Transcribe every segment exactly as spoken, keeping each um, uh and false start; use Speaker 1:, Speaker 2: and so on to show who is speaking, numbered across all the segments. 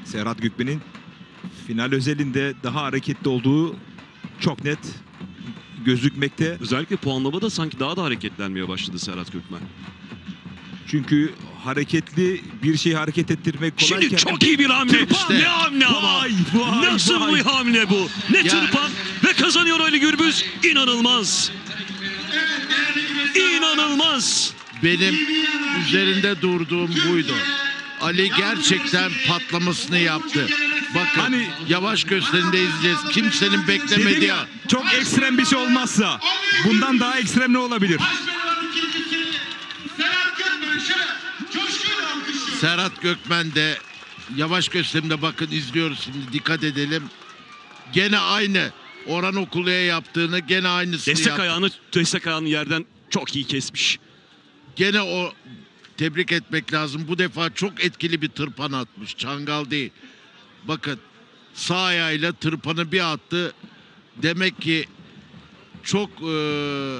Speaker 1: Serhat Gökmen'in final özelinde daha hareketli olduğu çok net gözükmekte.
Speaker 2: Özellikle puanlamada sanki daha da hareketlenmeye başladı Serhat Gökmen.
Speaker 1: Çünkü hareketli bir şeyi hareket ettirmek kolayken...
Speaker 2: Şimdi çok iyi bir hamle.
Speaker 1: Tırpan.
Speaker 2: Ne hamle ama.
Speaker 1: Vay, vay,
Speaker 2: Nasıl
Speaker 1: vay.
Speaker 2: bir hamle bu? Ne
Speaker 3: Ya.
Speaker 2: tırpan ve kazanıyor Ali Gürbüz. İnanılmaz. İnanılmaz.
Speaker 3: Benim üzerinde durduğum buydu. Ali gerçekten patlamasını yaptı. Bakın
Speaker 1: Hani-
Speaker 3: yavaş gösterinde izleyeceğiz. Kimsenin
Speaker 1: Dedim
Speaker 3: beklemediği.
Speaker 1: ya, çok ekstrem bir şey olmazsa bundan daha ekstrem ne olabilir?
Speaker 3: Serhat Gökmen de yavaş gösterimde bakın izliyoruz şimdi, dikkat edelim. Gene aynı Orhan Okulu'ya yaptığını, gene aynısını
Speaker 2: Destek
Speaker 3: yaptı.
Speaker 2: ayağını, destek ayağını yerden çok iyi kesmiş.
Speaker 3: Gene o, tebrik etmek lazım. Bu defa çok etkili bir tırpan atmış. Çangal değil. Bakın sağ ayağıyla tırpanı bir attı. Demek ki çok eee,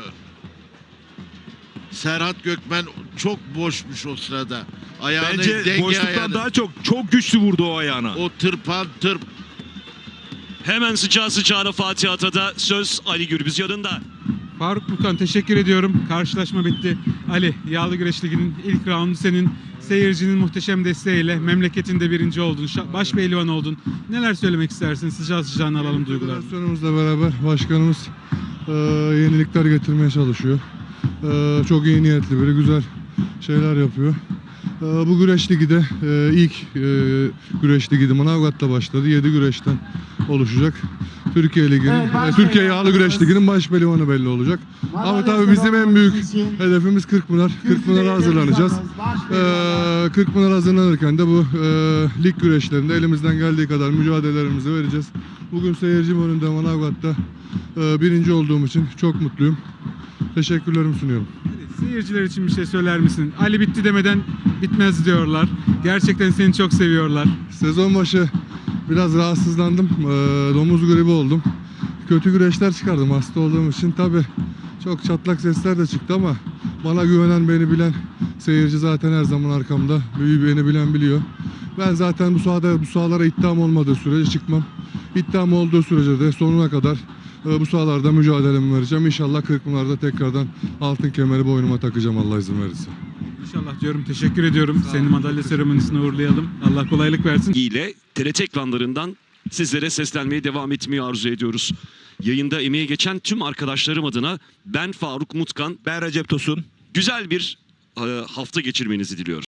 Speaker 3: Serhat Gökmen çok boşmuş o sırada. Ayağını,
Speaker 1: Bence
Speaker 3: denge
Speaker 1: boşluktan
Speaker 3: ayağını.
Speaker 1: daha çok çok güçlü vurdu o ayağına.
Speaker 3: O tırpan tırp.
Speaker 2: Hemen sıcağı sıcağına Fatih Ata'da söz Ali Gürbüz yanında.
Speaker 4: Faruk Bukan, teşekkür ediyorum. Karşılaşma bitti. Ali, Yağlı Güreş Ligi'nin ilk raundu senin. Seyircinin muhteşem desteğiyle memleketinde birinci oldun. şa- Baş pehlivan oldun. Neler söylemek istersin? Sıcağı sıcağına alalım duygularını.
Speaker 5: Federasyonumuzla beraber başkanımız e, yenilikler getirmeye çalışıyor. E, çok iyi niyetli biri, güzel şeyler yapıyor. E, bu güreş ligi de e, ilk e, güreş ligi de Manavgat'ta başladı. yedi güreşten oluşacak. Türkiye Ligi'nin, e, Türkiye Yağlı Güreş Ligi'nin baş pehlivanı belli olacak. Ama tabii bizim en büyük hedefimiz Kırkpınar. Kırkpınar'a hazırlanacağız. E, Kırkpınar hazırlanırken de bu e, lig güreşlerinde elimizden geldiği kadar mücadelelerimizi vereceğiz. Bugün seyircim önünde Manavgat'ta e, birinci olduğum için çok mutluyum. Teşekkürlerimi sunuyorum.
Speaker 4: Seyirciler için bir şey söyler misin? Ali bitti demeden bitmez diyorlar. Gerçekten seni çok seviyorlar.
Speaker 5: Sezon başı biraz rahatsızlandım. E, domuz gribi oldum. Kötü güreşler çıkardım hasta olduğum için. Tabii çok çatlak sesler de çıktı ama bana güvenen, beni bilen seyirci zaten her zaman arkamda. Büyü beni bilen biliyor. Ben zaten bu sahada, bu sahalara iddiam olmadığı sürece çıkmam. İddiam olduğu sürece de sonuna kadar e, bu sahalarda mücadelemi vereceğim. İnşallah Kırkpınar'da tekrardan altın kemeri boynuma takacağım Allah izin verirse.
Speaker 4: İnşallah diyorum. Teşekkür ediyorum. Seni madalya seremonisine uğurlayalım. Allah kolaylık versin.
Speaker 2: ile T R T ekranlarından sizlere seslenmeye devam etmeyi arzu ediyoruz. Yayında emeği geçen tüm arkadaşlarım adına ben Faruk Mutkan,
Speaker 1: Ben Recep Tosun.
Speaker 2: güzel bir e, hafta geçirmenizi diliyorum.